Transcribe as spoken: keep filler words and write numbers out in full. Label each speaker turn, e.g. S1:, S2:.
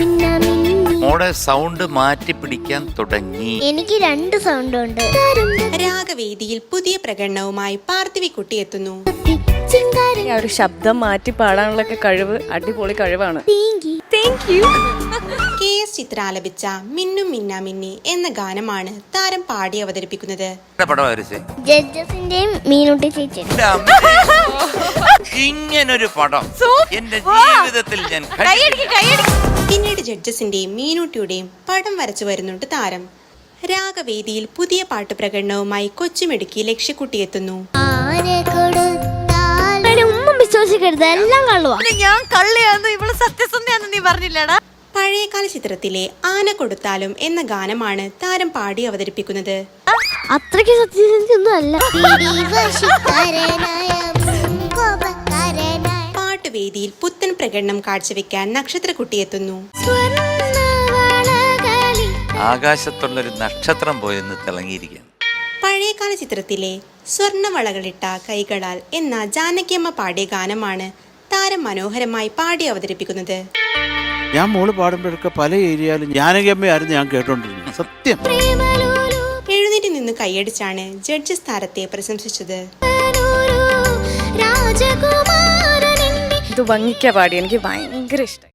S1: മോടെ സൗണ്ട് മാറ്റി പിടിക്കാൻ തുടങ്ങി.
S2: എനിക്ക് രണ്ട് സൗണ്ട് ഉണ്ട്.
S3: രാഗവേദിയിൽ പുതിയ പ്രകടനവുമായി പാർത്ഥിവിക്കുട്ടി എത്തുന്നു.
S4: ഒരു ശബ്ദം മാറ്റി പാടാനുള്ള കഴിവ് അടിപൊളി കഴിവാണ്.
S3: കെ എസ് ചിത്ര ആലപിച്ച മിന്നും മിന്നാ മിന്നി എന്ന ഗാനമാണ് താരം പാടി അവതരിപ്പിക്കുന്നത്.
S2: ജഡ്ജസിന്റെയും മീനുട്ടി ചേച്ചി
S1: ഇങ്ങനൊരു പടം എന്റെ ജീവിതത്തിൽ ഞാൻ
S3: പിന്നീട് ജഡ്ജസിന്റെയും മീനൂട്ടിയുടെയും പടം വരച്ചു വരുന്നുണ്ട് താരം. രാഗവേദിയിൽ പുതിയ പാട്ട് പ്രകടനവുമായി കൊച്ചുമിടുക്കി ലക്ഷ്യക്കുട്ടി എത്തുന്നു.
S2: വിശ്വസിക്കരുത്, എല്ലാം കള്ളുവാ.
S4: ഞാൻ കള്ളിയാന്ന് ഇവള് സത്യസന്ധയാന്ന് നീ പറഞ്ഞില്ലടാ.
S3: പഴയകാല ചിത്രത്തിലെ ആന കൊടുത്താലും എന്ന ഗാനമാണ് താരം പാടി അവതരിപ്പിക്കുന്നത്.
S2: അത്രയ്ക്ക് സത്യസന്ധയൊന്നും അല്ല.
S3: പാട്ടുവേദിയിൽ പുത്തൻ പ്രകടനം കാഴ്ചവെക്കാൻ നക്ഷത്രക്കുട്ടി എത്തുന്നു.
S1: ആകാശത്തുള്ളൊരു നക്ഷത്രം പോയെന്ന് തിളങ്ങിയിരിക്കുകയാണ്.
S3: പഴയകാല ചിത്രത്തിലെ സ്വർണവളകളിട്ട കൈകളാൽ എന്ന ജാനകിയമ്മ പാടിയ ഗാനമാണ് താരം മനോഹരമായി പാടി അവതരിപ്പിക്കുന്നത്.
S5: ഞാൻ മോള് പാടുമ്പോഴൊക്കെ പല ഏരിയയിലും ജാനകിയമ്മയായിരുന്നു ഞാൻ കേട്ടോണ്ടിരുന്നത്. സത്യം.
S3: എഴുന്നേറ്റ് നിന്ന് കൈയടിച്ചാണ് ജഡ്ജസ് താരത്തെ പ്രശംസിച്ചത്.
S4: ഇത് ഭംഗിക്കാ പാടി, എനിക്ക് ഭയങ്കര ഇഷ്ടം.